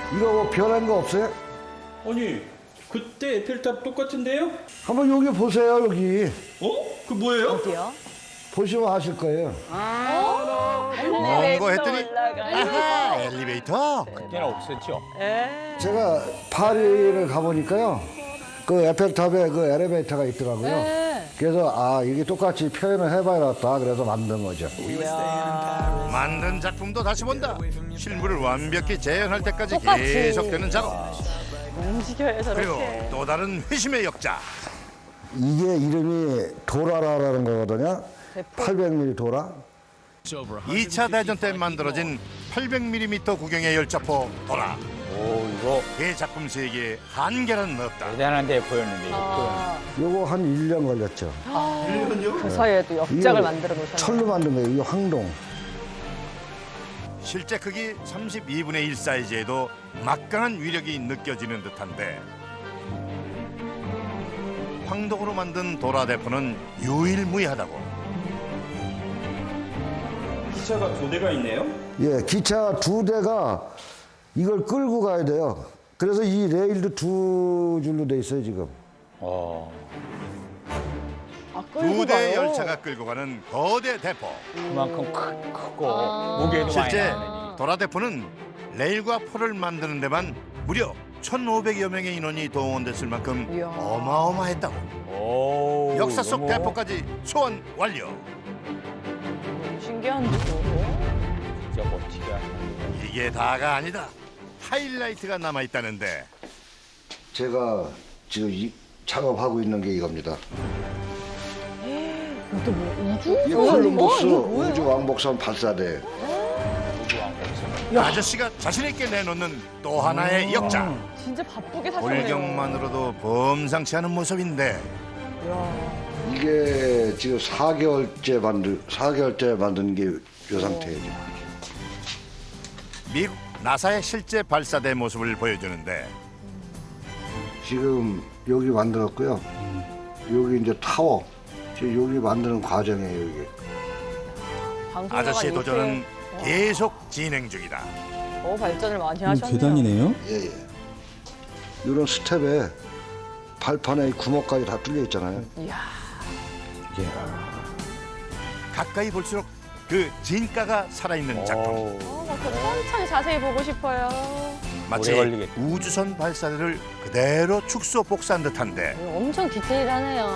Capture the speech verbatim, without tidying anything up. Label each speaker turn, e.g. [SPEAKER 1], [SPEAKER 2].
[SPEAKER 1] 이거 뭐 변한 거 없어요?
[SPEAKER 2] 아니, 그때 에펠탑 똑같은데요?
[SPEAKER 1] 한번 여기 보세요, 여기.
[SPEAKER 2] 어? 그 뭐예요?
[SPEAKER 3] 어디요?
[SPEAKER 1] 보시면 아실 거예요.
[SPEAKER 4] 뭔거 했더니 아하 엘리베이터.
[SPEAKER 5] 그때는 없었죠.
[SPEAKER 1] 제가 파리를 가보니까요. 그 에펠탑에 그 엘리베이터가 있더라고요.
[SPEAKER 3] 네.
[SPEAKER 1] 그래서 아, 이게 똑같이 표현을 해봐야겠다. 그래서 만든 거죠.
[SPEAKER 4] 만든 작품도 다시 본다. 실물을 완벽히 재현할 때까지
[SPEAKER 3] 똑같이.
[SPEAKER 4] 계속되는 작업.
[SPEAKER 3] 움직여요
[SPEAKER 4] 그리고
[SPEAKER 3] 저렇게.
[SPEAKER 4] 또 다른 회심의 역작.
[SPEAKER 1] 이게 이름이 도라라라는 거거든요. 팔백 밀리미터 도라.
[SPEAKER 4] 이 차 대전 때 만들어진 팔백 밀리미터 구경의 열차포 도라.
[SPEAKER 5] 오, 이거
[SPEAKER 4] 그 작품 세계에 한계는 없다.
[SPEAKER 5] 대단한 대포였는데, 이거.
[SPEAKER 3] 아,
[SPEAKER 1] 요거 한 일 년 걸렸죠.
[SPEAKER 3] 그 사이에도 역작을
[SPEAKER 1] 이거
[SPEAKER 3] 만들어 놓으셨네요.
[SPEAKER 1] 철로 만든 거예요. 이거 황동.
[SPEAKER 4] 실제 크기 삼십이분의 일 사이즈에도 막강한 위력이 느껴지는 듯한데 황동으로 만든 도라 대포는 유일무이하다고.
[SPEAKER 2] 기차가 두 대가 있네요?
[SPEAKER 1] 예, 기차 두 대가 이걸 끌고 가야 돼요. 그래서 이 레일도 두 줄로 돼 있어요, 지금.
[SPEAKER 5] 어.
[SPEAKER 3] 아, 끌고
[SPEAKER 4] 두 대
[SPEAKER 3] 가요?
[SPEAKER 4] 열차가 끌고 가는 거대 대포.
[SPEAKER 5] 그만큼 크, 크고
[SPEAKER 3] 아.
[SPEAKER 5] 무게도
[SPEAKER 4] 실제
[SPEAKER 5] 많이 나네.
[SPEAKER 4] 도라 대포는 레일과 포를 만드는 데만 무려 천오백여 명의 인원이 동원됐을 만큼
[SPEAKER 3] 이야.
[SPEAKER 4] 어마어마했다고.
[SPEAKER 5] 오,
[SPEAKER 4] 역사 속
[SPEAKER 5] 너무
[SPEAKER 4] 대포까지 소환 완료.
[SPEAKER 3] 너무 신기한데 저거.
[SPEAKER 5] 진짜 멋지다.
[SPEAKER 4] 이게 다가 아니다. 하이라이트가 남아 있다는데.
[SPEAKER 1] 제가 지금 이, 작업하고 있는 게 이겁니다.
[SPEAKER 3] 이것도 뭐 우주?
[SPEAKER 1] 이
[SPEAKER 3] 뭐야,
[SPEAKER 1] 콜럼버스
[SPEAKER 3] 이거? 이거 뭐예요?
[SPEAKER 1] 우주 왕복선 발사대.
[SPEAKER 4] 아저씨가 자신 있게 내놓는 또 하나의 역작.
[SPEAKER 3] 진짜 바쁘게 사셨네요.
[SPEAKER 4] 골경만으로도 범상치 않은 모습인데
[SPEAKER 3] 이야.
[SPEAKER 1] 이게 지금 사 개월째 만든 사 개월째 만든 게 요 상태예요. 지금.
[SPEAKER 4] 미국 나사의 실제 발사대 모습을 보여주는데
[SPEAKER 1] 지금 여기 만들었고요. 여기 이제 타워. 지금 여기 만드는 과정이에요, 이게.
[SPEAKER 3] 방송가가
[SPEAKER 4] 아저씨의
[SPEAKER 3] 이렇게,
[SPEAKER 4] 도전은 계속 진행 중이다.
[SPEAKER 3] 어, 발전을 많이
[SPEAKER 6] 음,
[SPEAKER 3] 하셨네요.
[SPEAKER 6] 계단이네요.
[SPEAKER 1] 예, 예. 이런 스텝에 발판에 구멍까지 다 뚫려 있잖아요.
[SPEAKER 3] 이야.
[SPEAKER 4] 가까이 볼수록 그 진가가 살아있는 작품.
[SPEAKER 5] 오,
[SPEAKER 3] 어, 막더 천천히 자세히 보고 싶어요.
[SPEAKER 4] 마치
[SPEAKER 5] 오래 걸리겠다.
[SPEAKER 4] 우주선 발사대를 그대로 축소 복사한 듯한데
[SPEAKER 3] 엄청 디테일하네요.